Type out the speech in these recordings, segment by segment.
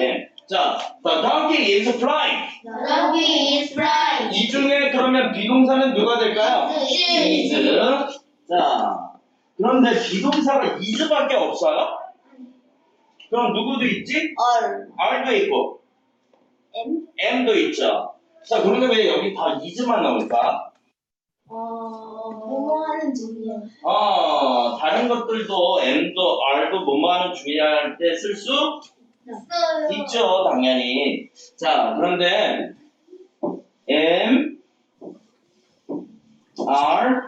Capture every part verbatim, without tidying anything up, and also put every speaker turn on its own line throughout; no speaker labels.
예. 자, the donkey is flying.
The donkey is flying.
이 중에 그러면 비동사는 누가 될까요?
is.
is. 자, 그런데 비동사가 is밖에 없어요? 그럼 누구도 있지?
Or.
R도 있고
M.
M도 있죠. 자, 그런데 왜 여기 다 is만 나올까?
어. 뭐뭐하는 중이야.
어, 다른 것들도 M도 R도 뭐뭐하는 중이할 때 쓸 수
있어요.
있죠, 당연히. 자, 그런데 M, R,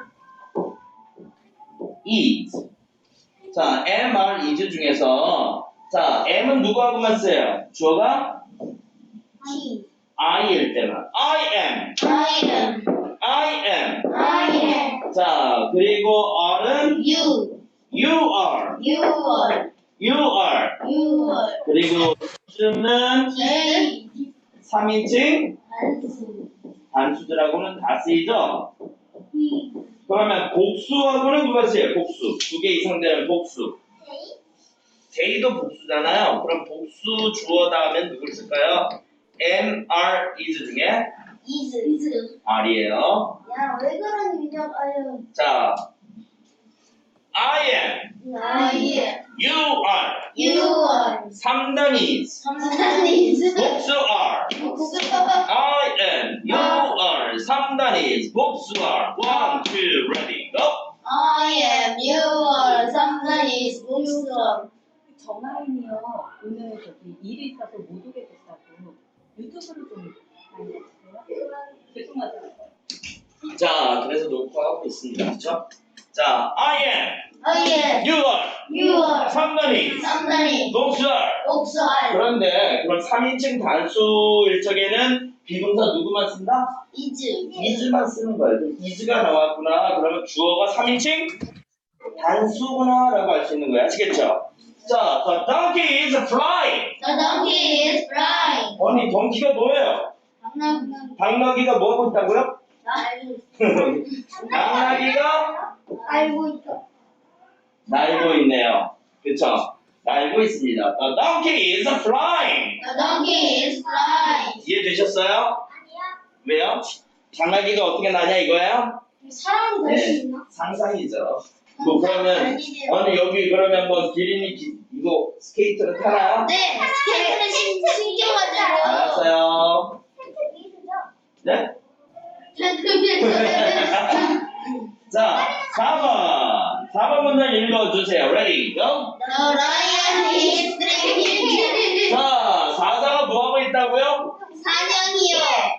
is. 자, M, R, is 중에서 자, M은 누구하고만 써요? 주어가
He.
I일 때만. I am,
I am.
I am.
I am.
자, 그리고 R은
You.
you are,
You are.
you are.
You are.
그리고 S는
J.
삼인칭
단수.
단수들하고는 다 쓰이죠?
He.
그러면 복수하고는 누가 쓰여요? 복수. 두 개 이상 되는 복수. J도 복수잖아요. 그럼 복수 주어 다음엔 누굴 쓸까요? M, R, is 중에
is. is.
R이에요.
야, 왜 그러니, 민혁, 아유.
자, I am,
I am.
you are,
You are.
삼 단 is,
삼단 is.
복수 are.
복수.
I am, you are, 삼 단 is, 복수 are. One, two, ready, go.
I am. You are. 삼단 is. 복수 are.
정아인이요. 오늘 저기 일이 있어서 못 오게 됐다고 유튜브를 좀 많이 해주세요. 죄송하다고.
자, 그래서 녹화하고 있습니다. 그렇죠? 자, I am,
I am.
you are,
You are.
삼 단 is,
삼단 is.
복수 are.
복수 are.
그런데 그럼 삼인칭 단수일 적에는 비동사 누구만 쓴다?
is.
is만 쓰는 거예요. 그럼 is가 나왔구나. 그러면 주어가 삼인칭 단수구나 라고 할 수 있는 거예요. 아시겠죠? 자, the donkey is flying.
The donkey is flying.
아니, 덩키가 뭐예요?
당나귀.
당나귀가 뭐 하고 있다고요?
알고 있어.
당나귀가
알고 있어.
날고 있네요. 그쵸? 날고 있습니다. The donkey is flying.
The donkey is flying.
이해되셨어요?
아니야.
왜요? 당나귀가 어떻게 나냐 이거예요?
사람이 될 수 있나?
상상이죠. 뭐 그러면 아니 여기 그러면 뭐 기린이 기, 이거 스케이트를 타나요?
네. 스케이트를 신- 신겨가지고.
알았어요. 네? 자, 사 번. 사 번 문장 읽어주세요. Ready, go.
The lion is drinking.
자, 사자가 뭐 하고 있다고요?
사냥이요.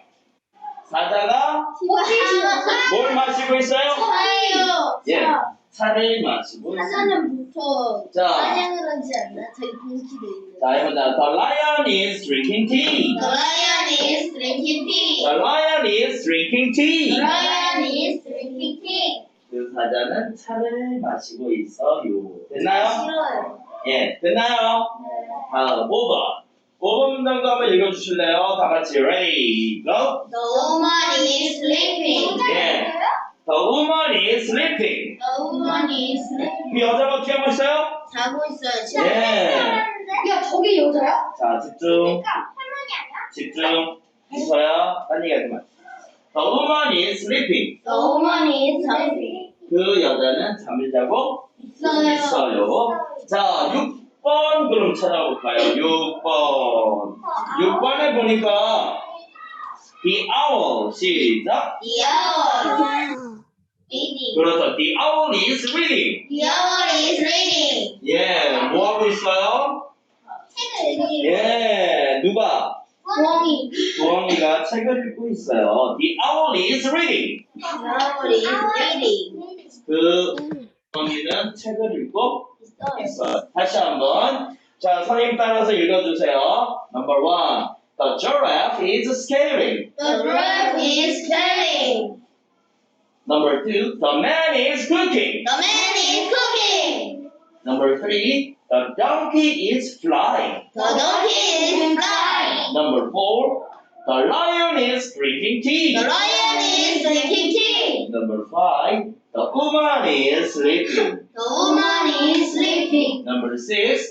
사자가 뭘 마시고 있어요?
차요.
예, 차를 마시고 있습니다.
사자는 보통
자.
사냥을 하지 않나? 자기 동키도 있는.
자, 해보자. The lion is drinking tea.
The lion is drinking tea.
The lion is drinking tea.
The lion is drinking tea.
그 사자는 차를 마시고 있어요. 됐나요?
싫어요.
예, 됐나요? 다음 오 번. 오 번 문장도 한번 읽어주실래요? 다 같이 ready, go.
The woman is sleeping.
예. The woman is sleeping.
The woman is sleeping.
그 여자가 어떻게 하고 있어요?
자고 있어요.
예.
야, 저게 여자야?
자, 집중. 집중. 이서야, 딴 얘기 하지 마. The woman is sleeping.
The woman is sleeping.
그 여자는 잠을 자고
있어요.
있어요. 자, 육 번 그럼 찾아볼까요? 육 번. 육 번에 보니까 The owl 시작.
The owl. Reading.
그렇죠. The owl is reading.
The owl is reading.
예, 뭐 하고 있어요?
책을 읽고.
예, 누가?
부엉이.
부엉이가 책을 읽고 있어요. The owl is reading.
The owl is reading.
그 부엉이는 책을 읽고 있어요. 다시 한번. 자, 선생님 따라서 읽어주세요. Number one. The giraffe is scaring.
The giraffe is scaring.
Number two. The man is cooking.
The man is cooking.
Number three. The donkey is flying.
The donkey is flying.
Number four. The lion is drinking tea.
The lion is drinking tea.
Number five. The woman is sleeping.
The woman is sleeping.
Number six.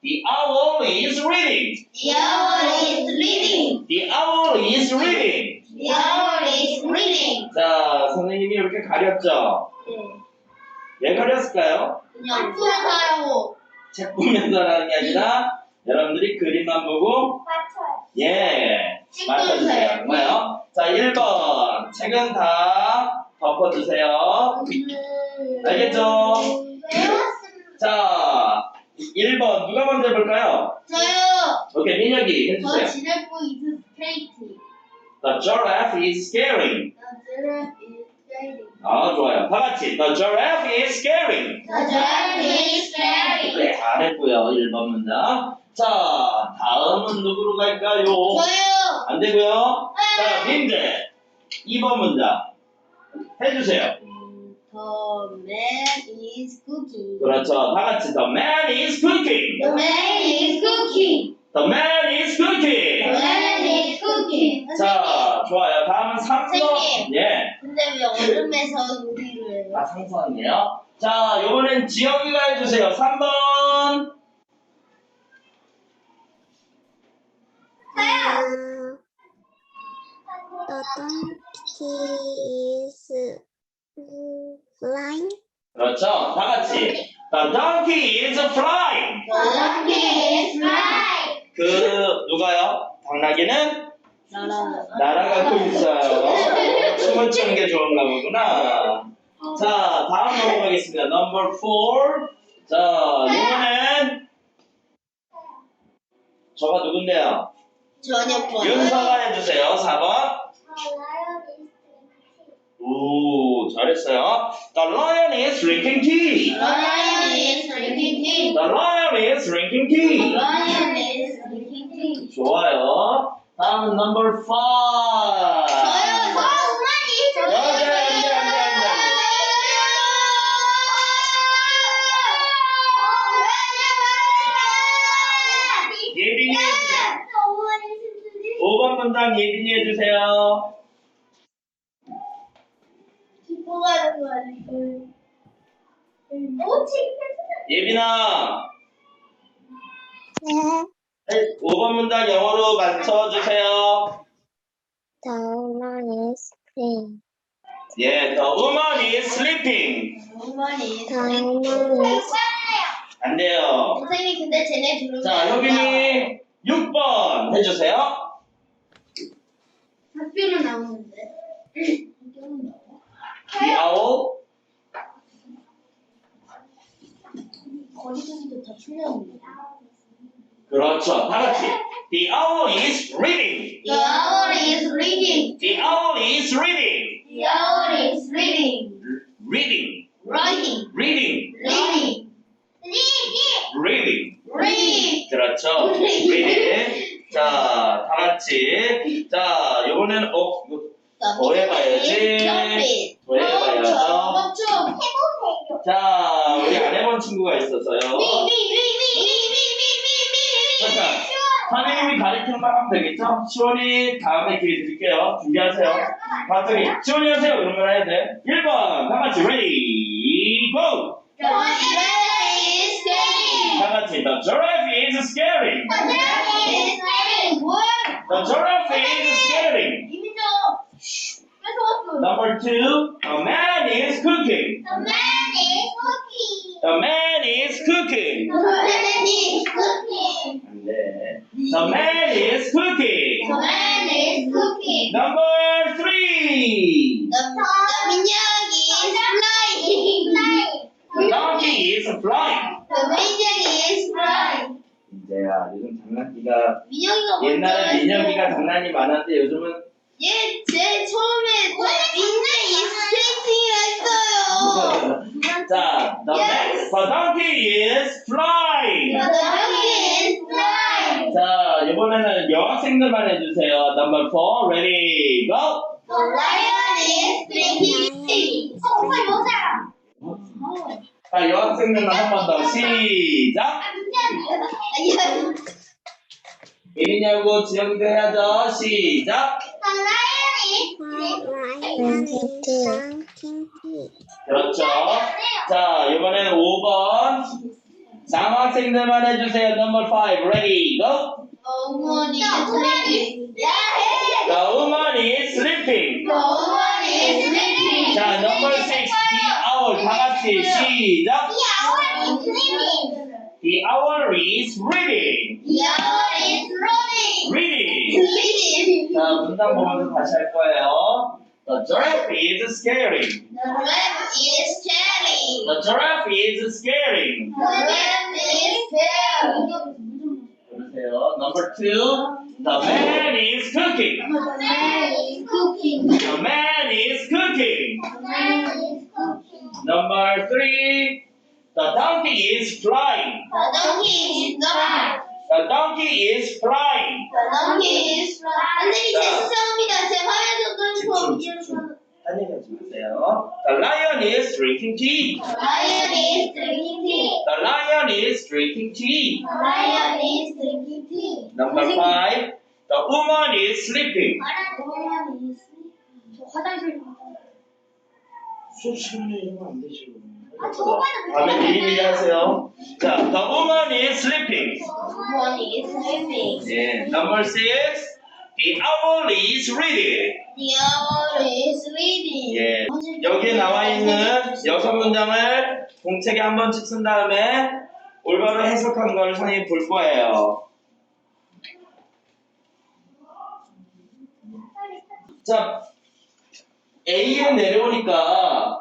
The owl is reading.
The owl is reading.
The owl is reading.
The owl is reading.
자, 선생님이 이렇게 가렸죠?
네.
왜 가렸을까요?
그냥 풀어요.
책 보면서 하는 게 아니라 여러분들이 그림만 보고
맞춰요.
예
찍어주세요.
맞춰주세요. 뭐요? 자, 일 번 책은 다 덮어주세요. 알겠죠?
외웠습니다.
자, 일 번 누가 먼저 해볼까요?
저요.
오케이, 민혁이
저
해주세요.
지렛고 is 스케이트.
The giraffe is scaring.
The giraffe is scaring.
아, 좋아요. 다 같이 The giraffe is scaring.
The giraffe is scaring.
네, 잘했고요. 일 번 문장. 자, 다음은 누구로 갈까요?
저요.
안 되고요. 자, 민재. 이 번 문장. 해주세요.
The man is cooking.
그렇죠. 다 같이 The man is cooking.
The man is cooking.
The man is
The
cooking.
man is cooking.
자, 좋아요. 다음은 삼 번.
선생님.
예.
근데 왜 얼음에서 요리를 해요?
아, 상상이에요. 자, 요번엔 지영이가 해주세요. 삼 번.
Uh, the donkey is mm, flying.
그렇죠. 다 같이. The donkey is flying.
The donkey is flying.
그, 누가요? 당나귀는
나라.
날아가고 있어요. 춤을 추는 게 좋은가 보구나. 자, 다음 넘어가겠습니다. 넘버 사. 자, 이번엔 저가 누군데요?
저녁 번.
윤서가 해주세요. 사 번. 오, 잘했어요. The lion is drinking tea.
Lion is drinking tea.
The lion is drinking tea.
Lion is drinking tea.
좋아요. 다음 넘버 오.
저요. 저 엄마니.
여자, 여자, 여자, 여자. 예빈이 해주세요. 오 번 문장 예빈이 해주세요.
짚고 가는 거 아니에요? 오,
예빈아,
네.
오 번 문장 영어로 맞춰주세요.
The woman is sleeping.
예, the woman is sleeping.
엄마니.
The woman is
안 돼요.
선생님 근데 쟤네 들으면
자, 효빈이 육 번 해주세요.
학교는 나오는데. 학교는 나와?
The owl.
거리두기도 다 틀렸는데.
그렇죠. 다 같이. The owl is reading.
The owl is reading.
The owl is reading.
The owl is reading.
Reading.
Writing.
Reading.
Reading. Reading.
Reading.
Reading.
그렇죠. reading. 자, 다 같이. 자, 요번에는 어, 이거 더 해봐야지. 더 해봐야죠.
좀 해보세요.
자, 우리 안 해본 친구가 있어서요. 잠깐, 선생님이 가르치는 말 하면 되겠죠? 시원이 다음에 기회 드릴게요. 준비하세요. 갑자기 시원이 하세요. 그런 걸 해야 돼. 일 번, 다 같이 ready, go!
The giraffe is scaring.
다 같이 the giraffe is scaring.
The giraffe is scaring. 뭐야?
The giraffe is scaring.
이미죠. 뺏어 왔어.
Number two, a man is cooking.
The man is cooking.
The man is cooking.
The man is cooking.
안 돼. The man is cooking.
The man is cooking.
Number three,
The, the 민혁이 is flying.
the donkey is flying.
The 민혁이 is flying.
이제야 요즘 장난기가
민혁이가
옛날에 민혁이가 장난이 많았는데 요즘은
얘 제 처음에 민혁이 스케이팅을 했어요.
자, the, man, the donkey is flying.
The donkey is flying.
자, 이번에는 여학생들만 해주세요. Number four, ready, go.
The lion is drinking tea. 어, 엄마 여자야.
자, 여학생들만 한 번 더 시작.
아니야.
예린이하고 지영이도 해야죠. 시작.
The lion is
drinking tea.
그렇죠. 자, 이번에는 오 번. 삼 학생들만 해주세요. Number five, ready, go.
The woman is sleeping.
The woman is sleeping.
The woman is sleeping.
자, number six, the owl. 다 같이 시작.
The owl is sleeping.
The owl is reading.
The owl is running.
Reading.
Sleeping.
자, 문장 보면서 다시 할 거예요. The giraffe is scaring.
The rabbit is staring.
The giraffe is scaring.
The rabbit is staring.
보세요. Number two, the man is cooking.
The man is cooking.
The man is cooking.
The man is cooking.
Number three, the donkey is flying.
The donkey is flying.
The donkey is flying.
The donkey is flying. 선생님 제 수상합니다. 제 화면 좀
집중, 집중. 딴 얘기 하지 마세요. The lion is drinking tea.
The lion is drinking tea.
The lion is drinking tea.
The lion is drinking tea.
Number five, the woman is sleeping.
The woman is 저 화장실
수업 시간에 이러면 안 되죠.
아, 저거는
다음에 미리미리 하세요. 자, the woman is sleeping.
The woman is sleeping.
예, number six, the owl is reading.
The owl is reading.
예, 여기에 나와 있는 여섯 문장을 공책에 한 번씩 쓴 다음에 올바로 해석한 걸 선생님이 볼 거예요. 자, A에 내려오니까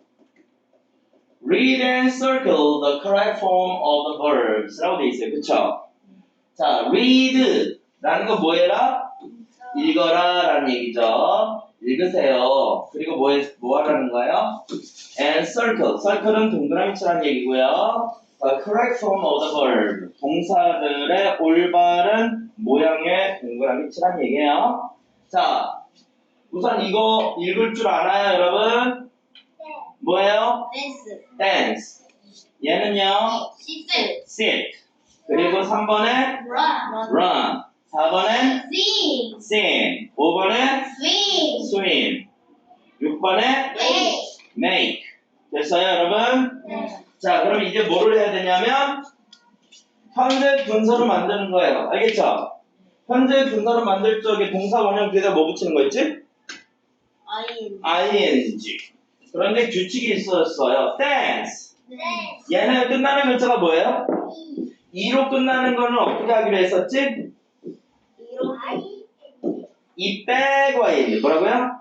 read and circle the correct form of the verbs 라고 돼 있어요. 그쵸? 자, read 라는 거 뭐해라? 읽어라 라는 얘기죠. 읽으세요. 그리고 뭐, 해- 뭐 하라는 거예요? And circle. circle은 동그라미 치라는 얘기고요. The correct form of the verb. 동사들의 올바른 모양의 동그라미 치라는 얘기예요. 자, 우선 이거 읽을 줄 알아요, 여러분? 뭐예요?
Dance.
dance. 얘는요,
Sit.
sit. 그리고 삼 번에
Run.
run. 사 번에
Sing.
sing. 오 번에
Swing.
swim. 육 번에
Play.
make. 됐어요, 여러분?
네.
자, 그럼 이제 뭐를 해야 되냐면 현재 분사를 만드는 거예요. 알겠죠? 현재 분사를 만들 적에 동사 원형 뒤에다 뭐 붙이는 거 있지?
I.
ing. 그런데 규칙이 있었어요. dance.
네.
얘는 끝나는 글자가 뭐예요? 이로 끝나는 거는 어떻게 하기로 했었지?
이로 I.
이 빼고 ing. 뭐라고요?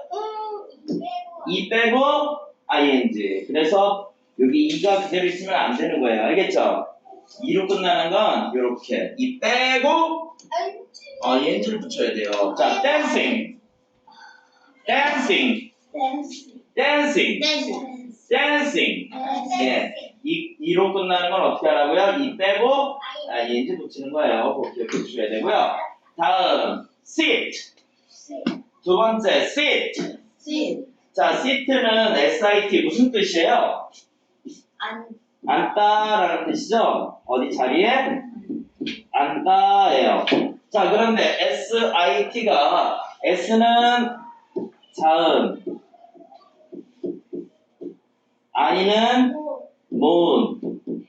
이 빼고 ing. 그래서 여기 이가 그대로 있으면 안 되는 거예요. 알겠죠? 이로 끝나는 건 이렇게 이 빼고 ing를 붙여야 돼요. 자, dancing. dancing. dancing. dancing. 예. 이, 이로 끝나는 건 어떻게 하라고요? 이 빼고 ing 붙이는 거예요. 그거 기억해 주셔야 되고요. 다음 sit. 두 번째 sit.
Sit.
자, sit는 sit 무슨 뜻이에요?
안.
앉다라는 뜻이죠? 어디 자리에? 앉다예요. 자, 그런데 sit가 s는 자음, i는 moon,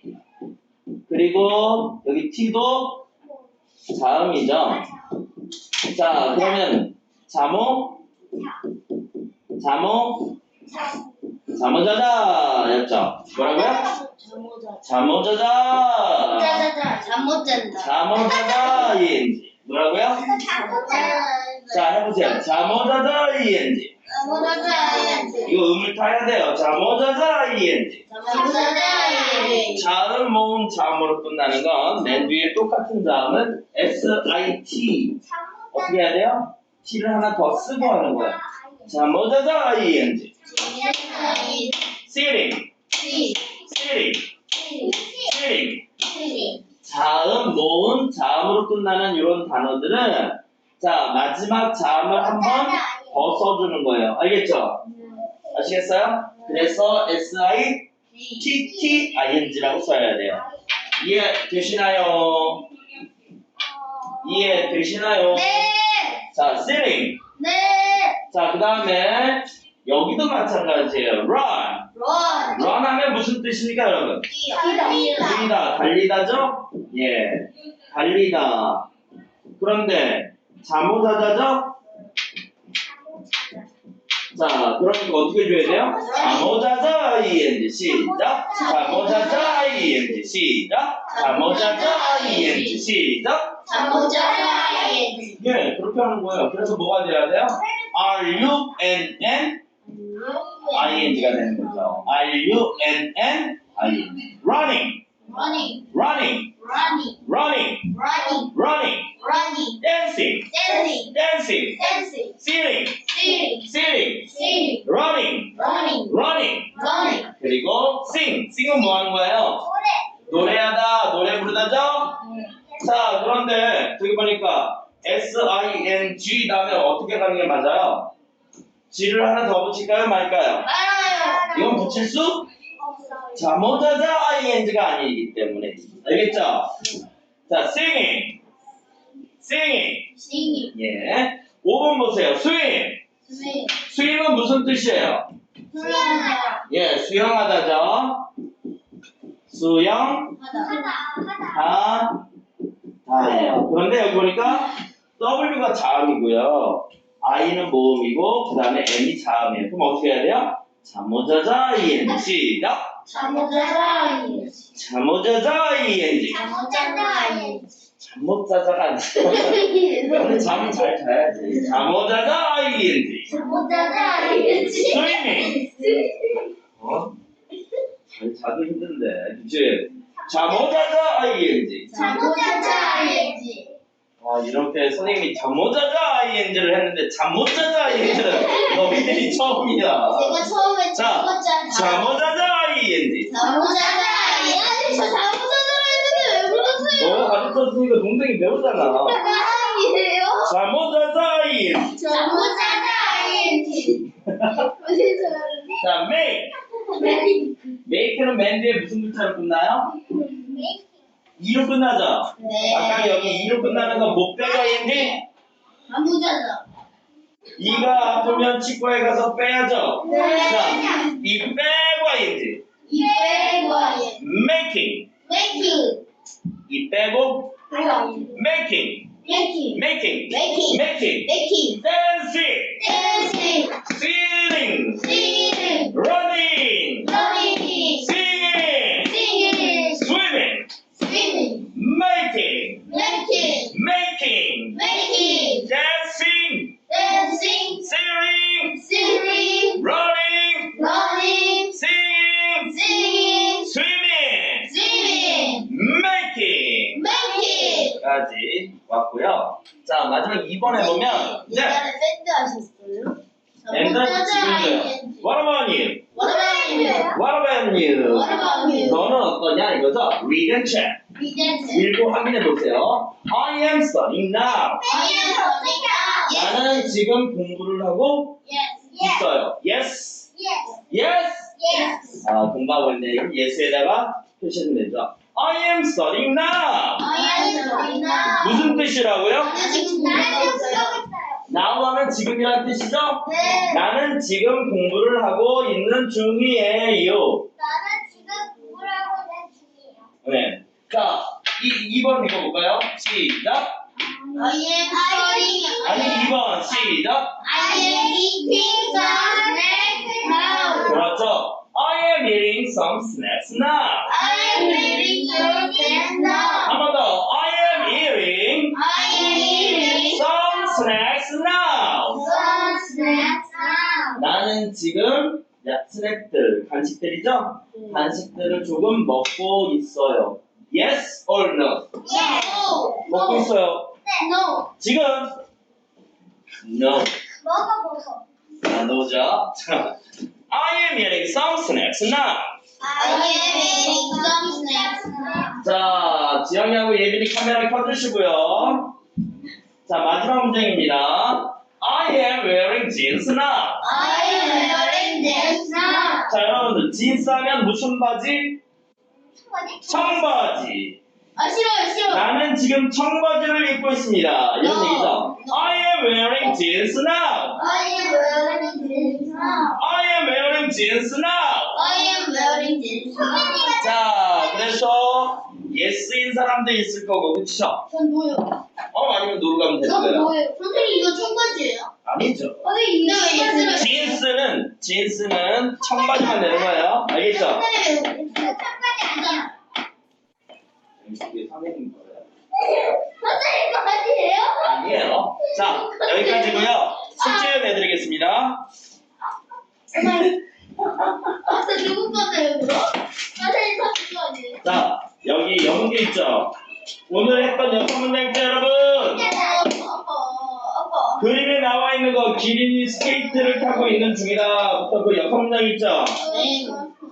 그리고 여기 t도 자음이죠. 자, 그러면 자모, 자모, 자모자자 였죠? 뭐라고요?
잠못
자모자자,
자자자. 잠못 잔다.
자모자자인지 뭐라고요?
잠못 잔다.
자, 해보세요. 자모자자인지
잠못 잔다.
이거 음을 타야 돼요. 자모자자인지
잠못 잔다.
자음, 모음, 자음으로 끝나는 건 맨 뒤에 똑같은 자음은 sit 어떻게 해야 돼요? t를 하나 더 쓰고 하는 거예요. 자모자자인지 sitting, sitting, sitting 자음, 모음, 자음으로 끝나는 이런 단어들은 자 마지막 자음을 한 번 더 써주는 거예요. 알겠죠? 아시겠어요? 그래서 sitting라고 써야 돼요. 이해 되시나요? 이해 되시나요?
네.
자, sitting.
네.
자, 그 다음에 여기도 마찬가지예요. run.
Run.
run 런하면 무슨 뜻입니까, 여러분?
뛰다.
뛰다, 달리다죠? 예, 달리다. 그런데 자모자자죠? 자, 그러니까 어떻게 줘야 돼요? 자모자자 ing 시작. 자모자자 ing 시작. 자모자자 ing 시작.
잠못자자
예, 그렇게 하는 거예요. 그래서 뭐가 돼야 돼요? are you and n ing가 되는 거죠. are you and n ing. running,
running,
running,
running,
running,
running,
running,
running,
dancing,
dancing,
dancing,
dancing,
sitting,
sitting,
sitting,
sitting,
running,
running,
running.
running.
그리고 sing, sing은 뭐 하는 거예요? 노래하다, 노래 부르다죠? 자, 그런데 저기 보니까 S-I-N-G 다음에 어떻게 가는 게 맞아요? G를 하나 더 붙일까요, 말까요?
알아요.
이건 붙일 수? 자, 모자자 ing가 아니기 때문에. 알겠죠? 자, singing, singing.
singing,
예. 오 번 보세요. swim.
swimming,
swim은 무슨 뜻이에요?
수영하다,
예, 수영하다죠. 수영, 하, 다예요. 그런데 여기 보니까 W가 자음이고요. I는 모음이고 그 다음에 M이 자음이에요. 그럼 어떻게 해야 돼요? 자모자자 ing 시작.
잠못자자
자모자자 ing.
잠못자자
잠못자자가 아니야. 오늘 잠은 잘 자야지. 자모자자 ing.
잠못자자
swimming. 어? 잘 자도 힘든데. 그치? 자모자자 ing.
잠못자자
아, 이렇게 선생님이 잠못자자 ing를 했는데 잠못자자 ing는 너희들이 처음이야.
제가 처음에
자,
잠못자자
잠못자자 ing.
잠못자자 아니 저 잠못자자라 했는데 왜 불렀어요?
너 가르쳐주니까 동생이 배우잖아.
사랑이에요?
잠못자자 ing.
잠못자자 아니지
자, make. make는 맨 뒤에 무슨 글자로 끝나요? 이로 끝나죠?
네.
아까 여기 이로 끝나는 건 못 빼가 ing.
잠못자자
이가 아프면 치과에 가서 빼야죠.
네.
자, 이 빼고 ing.
이 빼고
making.
making
이 빼고
making
making.
making
making.
making
making.
making
dancing.
dancing
singing.
singing
running.
running
singing.
singing
swimming.
swimming
making.
making
making.
making
dancing.
dancing
singing.
singing
running.
running
singing.
singing
swimming.
swimming
making.
making
까지 왔고요. 자, 마지막 이 번에 보면 네.
옛날에 밴드 하셨어요?
랜드는 지금도요. What about you?
What about you?
What about you?
What about you?
너는 어떠냐 이거죠? Read and check.
Yes.
읽고 확인해 보세요. I am studying now.
I am studying now.
나는 지금 공부를 하고
Yes. Yes.
있어요. Yes.
Yes.
Yes.
Yes.
아, 공부하고 있네. 이건 yes에다가 표시하면 되죠. I am studying now.
I am studying now.
무슨 뜻이라고요?
나는 지금 공부하고 있어요.
now 하면 지금이란 뜻이죠?
네.
나는 지금 공부를 하고 있는 중이에요.
나는 지금 공부를 하고 있는 중이에요.
네. 자, 이, 이 번 읽어볼까요? 시작.
I am studying.
아니, 이 번 시작.
I am eating some snacks now.
그렇죠. I am eating some snacks now.
I am eating some snacks now.
한 번 더. I am eating
I am eating
some snacks now.
some snacks now.
나는 지금 야, 스낵들, 간식들이죠? 간식들을 조금 먹고 있어요. Yes or no?
Yes.
먹고 있어요.
No.
지금? No.
먹어 먹어.
아, no죠? 자, I am eating some snacks now.
I am eating some snacks now.
자, 지영이하고 예빈이 카메라 켜주시고요. 자, 마지막 문장입니다. I am wearing jeans now.
I am wearing this now.
자, 여러분들, jeans 하면 무슨 바지? 청바지.
아 싫어요 싫어.
나는 지금 청바지를 입고 있습니다. 이런
No.
얘기죠. I am wearing jeans now.
I am wearing this now.
I am wearing jeans now.
I am I'm wearing jeans.
자, 그래서 yes인 사람도 있을 거고, 그쵸?
전 뭐요?
어, 아니면 노루 가면 되는
전
거예요.
뭐예요? 선생님 이거 청바지예요?
아니죠.
선생님 근데 왜 예스를
진스는, 진스는 청바지만 되는 거예요. 알겠죠?
선생님 청바지 아니야.
이게 선생님 거예요.
선생님 거 아니에요?
아니에요. 자, 여기까지고요. 숙제 내드리겠습니다.
아, 저 누구 건데요, 그거? 선생님 거 아니에요?
자, 여기 영계 있죠? 오늘 했던 여섯 문장 있죠, 여러분?
아빠, 아빠.
그림에 나와 있는 거 기린이 스케이트를 타고 있는 중이다부터 그 여섯 문장 있죠?
네.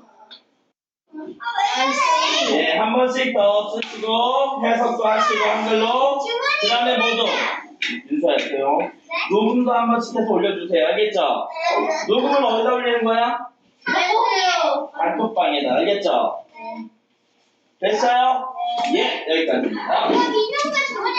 예, 한 번씩 더 쓰시고 해석도 하시고 한글로 그 다음에 뭐도 인사했어요. 녹음도 한 번씩 해서 올려주세요. 알겠죠? 녹음은 어디다 올리는 거야?
해보세요.
단톡방에다. 알겠죠? 됐어요? 예, 여기까지입니다.
민영이가 저번에